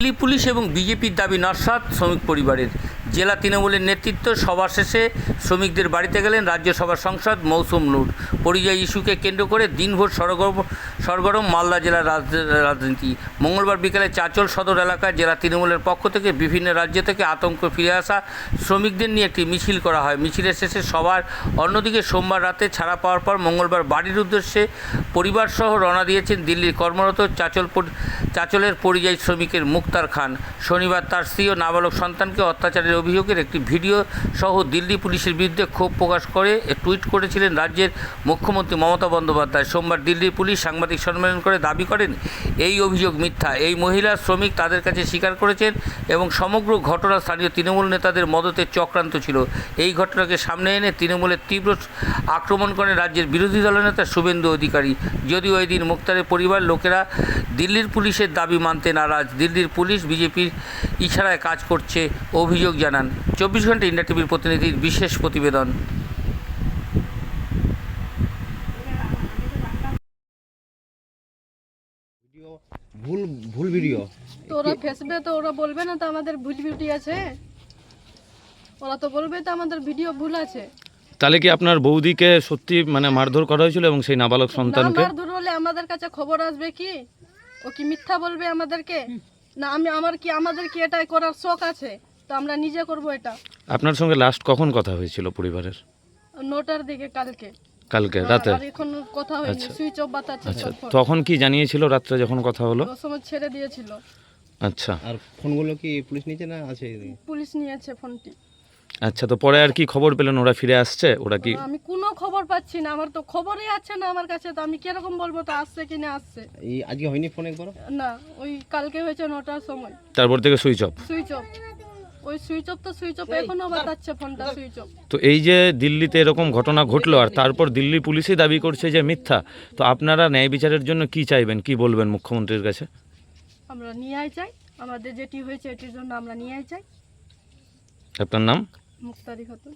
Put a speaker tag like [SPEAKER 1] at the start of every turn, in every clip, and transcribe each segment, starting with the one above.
[SPEAKER 1] Delhi police এবং বিজেপির দাবি নস্যাৎ শ্রমিক পরিবারের। জেলা তৃণমূলের নেতৃত্ব সভা শেষে শ্রমিকদের বাড়িতে গেলেন রাজ্যসভার সাংসদ মৌসুম নূর। পরিযায়ী ইস্যুকে কেন্দ্র করে দিনভর সরগরম মালদা জেলার রাজনীতি। মঙ্গলবার বিকেলে চাঁচল সদর এলাকায় জেলা তৃণমূলের পক্ষ থেকে বিভিন্ন রাজ্য থেকে আতঙ্ক ফিরে আসা শ্রমিকদের নিয়ে একটি মিছিল করা হয়। মিছিলের শেষে সবার অন্যদিকে সোমবার রাতে ছাড়া পাওয়ার পর মঙ্গলবার বাড়ির উদ্দেশ্যে পরিবারসহ রওনা দিয়েছেন দিল্লির কর্মরত চাঁচলের পরিযায়ী শ্রমিকের মুক্তার খান। শনিবার তার স্ত্রী ও নাবালক সন্তানকে অত্যাচারের অভিযোগের একটি ভিডিও সহ দিল্লি পুলিশের বিরুদ্ধে ক্ষোভ প্রকাশ করে টুইট করেছিলেন রাজ্যের মুখ্যমন্ত্রী মমতা বন্দ্যোপাধ্যায়। সোমবার দিল্লির পুলিশ সাংবাদিক সম্মেলন করে দাবি করেন এই অভিযোগ মিথ্যা। এই মহিলা শ্রমিক তাদের কাছে স্বীকার করেছেন এবং সমগ্র ঘটনা স্থানীয় তৃণমূল নেতাদের মদতে চক্রান্ত ছিল। এই ঘটনাকে সামনে এনে তৃণমূলের তীব্র আক্রমণ করেন রাজ্যের বিরোধী দলনেতা শুভেন্দু অধিকারী। যদিও এই দিন মুক্তারের পরিবার লোকেরা দিল্লির পুলিশের দাবি মানতে নারাজ। দিল্লির পুলিশ বিজেপির ইশারায় কাজ করছে অভিযোগ জানান 24 ঘন্টা ইন্ডিয়া টিভির প্রতিনিধির বিশেষ প্রতিবেদন।
[SPEAKER 2] ভুল ভিডিও
[SPEAKER 3] তো ওরা ফেসবে, তো ওরা বলবে না তো আমাদের ভুল ভিডিও আছে? ওরা তো বলবে তো আমাদের ভিডিও ভুল আছে।
[SPEAKER 4] তাহলে কি আপনার বৌদিকে সত্যি মানে মারধর করা হয়েছিল এবং সেই নাবালক সন্তানকে?
[SPEAKER 3] মারধর হলে আমাদের কাছে খবর আসবে কি? ও কি মিথ্যা বলবে আমাদেরকে? না আমাদের কি এটাই করার শখ আছে? তো আমরা নিজে করব এটা।
[SPEAKER 4] আপনার সঙ্গে লাস্ট কখন কথা হয়েছিল পরিবারের?
[SPEAKER 3] 9টার দিকে
[SPEAKER 4] কালকে রাতে?
[SPEAKER 3] আর এখন কথা হয়নি, সুইচ অফ বাতাচ্ছে।
[SPEAKER 4] আচ্ছা, তখন কি জানিয়েছিল রাত্রে যখন কথা হলো?
[SPEAKER 3] ওই সময় ছেড়ে দিয়েছিল।
[SPEAKER 4] আচ্ছা,
[SPEAKER 2] আর ফোনগুলো কি পুলিশ নিয়েছে না আছে?
[SPEAKER 3] পুলিশ নিয়েছে ফোনটি।
[SPEAKER 4] আচ্ছা, তো পরে আর কি খবর পেলেন? ওরা ফিরে আসছে? ওরা কি?
[SPEAKER 3] আমি কোনো খবর পাচ্ছি না, আমার তো খবরই আছে না আমার কাছে। তো আমি কিরকম বলবো তো আসছে কি না আসছে?
[SPEAKER 2] এই আজকে হয়নি ফোন একবার?
[SPEAKER 3] না, ওই কালকে হয়েছে 9টার সময়।
[SPEAKER 4] তারপর থেকে সুইচ অফ?
[SPEAKER 3] Switch off. ওই সুইচ অফ এখনো বাতাচ্ছে ফোনটা সুইচ অফ।
[SPEAKER 4] তো এই যে দিল্লিতে এরকম ঘটনা ঘটলো আর তারপর দিল্লি পুলিশই দাবি করছে যে মিথ্যা, তো আপনারা ন্যায় বিচারের জন্য কি চাইবেন, কি বলবেন মুখ্যমন্ত্রীর কাছে?
[SPEAKER 3] আমরা নিয়াই চাই, আমাদের যেটি হয়েছে এটির জন্য আমরা নিয়াই চাই।
[SPEAKER 4] আপনার নাম?
[SPEAKER 3] মুক্তারি খাতুন।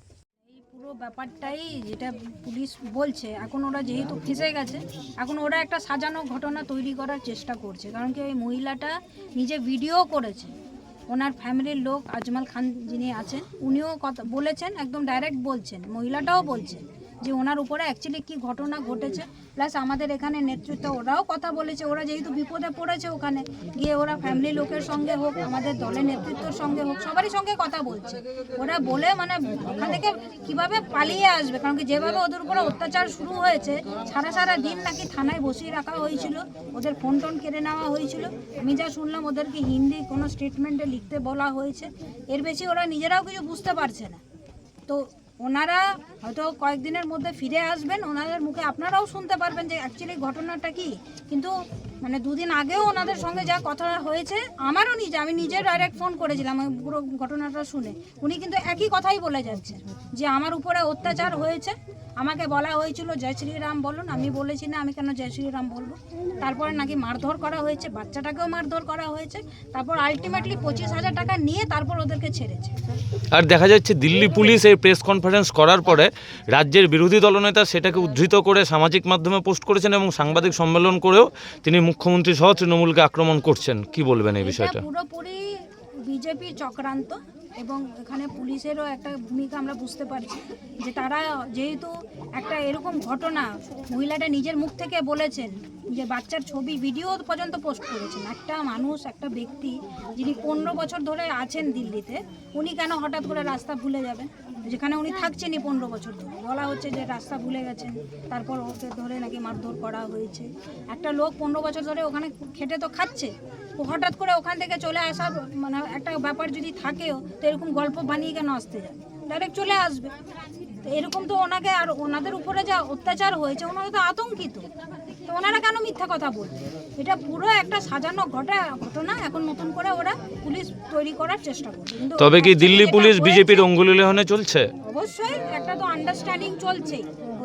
[SPEAKER 5] এই পুরো ব্যাপারটাই যেটা পুলিশ বলছে, এখন ওরা যেহেতু ফেঁসে গেছে, এখন ওরা একটা সাজানো ঘটনা তৈরি করার চেষ্টা করছে। কারণ কি ওই মহিলাটা নিজে ভিডিও করেছে, ওনার ফ্যামিলির লোক আজমাল খান যিনি আছেন উনিও কথা বলেছেন, একদম ডাইরেক্ট বলছেন, মহিলাটাও বলছেন যে ওনার উপরে অ্যাকচুয়ালি কী ঘটনা ঘটেছে। প্লাস আমাদের এখানে নেতৃত্ব ওরাও কথা বলেছে, ওরা যেহেতু বিপদে পড়েছে ওখানে গিয়ে ওরা ফ্যামিলি লোকের সঙ্গে হোক, আমাদের দলের নেতৃত্বের সঙ্গে হোক, সবারই সঙ্গে কথা বলছে। ওরা বলে মানে ওখান থেকে কীভাবে পালিয়ে আসবে, কারণ কি যেভাবে ওদের উপরে অত্যাচার শুরু হয়েছে, সারা দিন নাকি থানায় বসিয়ে রাখা হয়েছিল, ওদের ফোন টোন কেড়ে নেওয়া হয়েছিল। আমি যা শুনলাম ওদেরকে হিন্দি কোনো স্টেটমেন্টে লিখতে বলা হয়েছে। এর বেশি ওরা নিজেরাও কিছু বুঝতে পারছে না। তো ওনারা হয়তো কয়েকদিনের মধ্যে ফিরে আসবেন, ওনাদের মুখে আপনারাও শুনতে পারবেন যে অ্যাকচুয়ালি ঘটনাটা কি। কিন্তু মানে 2 দিন আগেও ওনাদের সঙ্গে যা কথা হয়েছে, আমারও আমি নিজে ডাইরেক্ট ফোন করেছিলাম পুরো ঘটনাটা শুনে। উনি কিন্তু একই কথাই বলে যাচ্ছেন যে আমার উপরে অত্যাচার হয়েছে, আমাকে বলা হয়েছিল জয় শ্রীরাম বলুন, আমি বলেছি না আমি কেন জয় শ্রীরাম বলবো। তারপরে নাকি মারধর করা হয়েছে, বাচ্চাটাকেও মারধর করা হয়েছে। তারপর আলটিমেটলি 25,000 টাকা নিয়ে তারপর ওদেরকে ছেড়েছে।
[SPEAKER 4] আর দেখা যাচ্ছে দিল্লি পুলিশ এই প্রেস কনফারেন্স করার পরে রাজ্যের বিরোধী দলনেতা সেটাকে উদ্ধৃত করে সামাজিক মাধ্যমে পোস্ট করেছেন এবং সাংবাদিক সম্মেলন করেও তিনি মুখ্যমন্ত্রী সহ তৃণমূলকে আক্রমণ করছেন। কি বলবেন এই বিষয়টা?
[SPEAKER 5] পুরোপুরি বিজেপি চক্রান্ত, এবং এখানে পুলিশেরও একটা ভূমিকা আমরা বুঝতে পারছি যে তারা যেহেতু একটা এরকম ঘটনা মহিলাটা নিজের মুখ থেকে বলেছেন, যে বাচ্চার ছবি ভিডিও পর্যন্ত পোস্ট করেছেন। একটা মানুষ, একটা ব্যক্তি যিনি 15 বছর ধরে আছেন দিল্লিতে, উনি কেন হঠাৎ করে রাস্তা ভুলে যাবেন? যেখানে উনি থাকছেনই 15 বছর ধরে, বলা হচ্ছে যে রাস্তা ভুলে গেছেন, তারপর ওকে ধরে নাকি মারধর করা হয়েছে। একটা লোক 15 বছর ধরে ওখানে খেটে তো খাচ্ছে, ও হঠাৎ করে ওখান থেকে চলে আসার মানে একটা ব্যাপার যদি থাকেও, তো এরকম গল্প বানিয়ে কেন আসতে যায়? ডাইরেক্ট চলে আসবে। তো এরকম তো ওনাকে আর ওনাদের উপরে যা অত্যাচার হয়েছে, ওনারা তো আতঙ্কিত। তো ওনারা কেন মিথ্যা কথা বলবে? এটা পুরো একটা সাজানো ঘটনা। এখন নতুন করে ওরা পুলিশ তৈরি করার চেষ্টা করবে।
[SPEAKER 4] তবে কি দিল্লি পুলিশ বিজেপির অঙ্গুলি লেহনে চলছে?
[SPEAKER 5] অবশ্যই একটা তো আন্ডারস্ট্যান্ডিং চলছেই।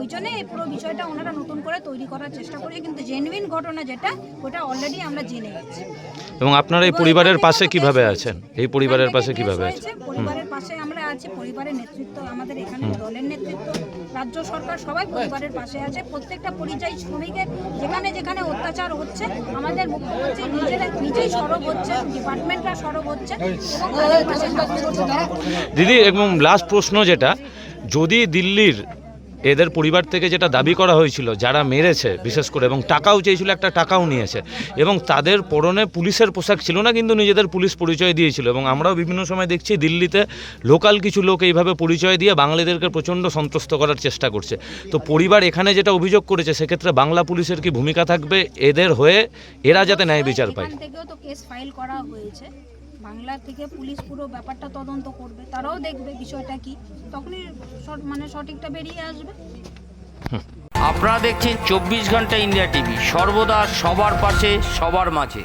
[SPEAKER 5] ওই জন্য এই পুরো বিষয়টা ওনারা নতুন করে তৈরি করার চেষ্টা করছে, কিন্তু জেনুইন ঘটনা যেটা ওটা অলরেডি আমরা জেনে গেছি।
[SPEAKER 4] এবং আপনারা এই পরিবারের পাশে কিভাবে আছেন? এই পরিবারের পাশে কিভাবে আছেন?
[SPEAKER 5] পরিবারের পাশে আমরা আছি, পরিবারের নেতৃত্ব, আমাদের এখানে দলের নেতৃত্ব, রাজ্য সরকার সবাই পরিবারের পাশে আছে। প্রত্যেকটা পরিযায়ী শ্রমিকের যেখানে যেখানে অত্যাচার হচ্ছে আমাদের মুখ্যমন্ত্রী নিজেই সরব হচ্ছে, ডিপার্টমেন্টরা সরব হচ্ছে এবং তাদের পাশে সাহায্য করছে।
[SPEAKER 4] দিদি, এবং লাস্ট প্রশ্ন যেটা, যদি দিল্লির এদের পরিবার থেকে যেটা দাবি করা হয়েছিল যারা মেরেছে বিশেষ করে, এবং টাকাও চেয়েছিল, একটা টাকাও নিয়েছে, এবং তাদের পরনে পুলিশের পোশাক ছিল না কিন্তু নিজেদের পুলিশ পরিচয় দিয়েছিল, এবং আমরাও বিভিন্ন সময় দেখছি দিল্লিতে লোকাল কিছু লোক এইভাবে পরিচয় দিয়ে বাঙালিদেরকে প্রচণ্ড সন্ত্রস্ত করার চেষ্টা করছে, তো পরিবার এখানে যেটা অভিযোগ করেছে সেক্ষেত্রে বাংলা পুলিশের কি ভূমিকা থাকবে এদের হয়ে, এরা যাতে ন্যায় বিচার পায়?
[SPEAKER 5] এখান থেকেও তো কেস ফাইল করা হয়েছে, বাংলা থেকে পুলিশ পুরো ব্যাপারটা তদন্ত করবে, তারাও দেখবে বিষয়টা কি, তখনই সঠিকটা বেরিয়ে আসবে।
[SPEAKER 1] আপনারা দেখছেন 24 ঘন্টা ইন্ডিয়া টিভি, সর্বদা সবার পাশে সবার মাঝে।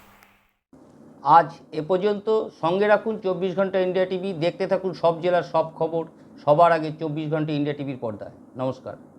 [SPEAKER 1] আজ এ পর্যন্ত। সঙ্গে রাখুন 24 ঘন্টা ইন্ডিয়া টিভি, দেখতে থাকুন সব জেলার সব খবর সবার আগে 24 ঘন্টা ইন্ডিয়া টিভির পর্দায়। নমস্কার।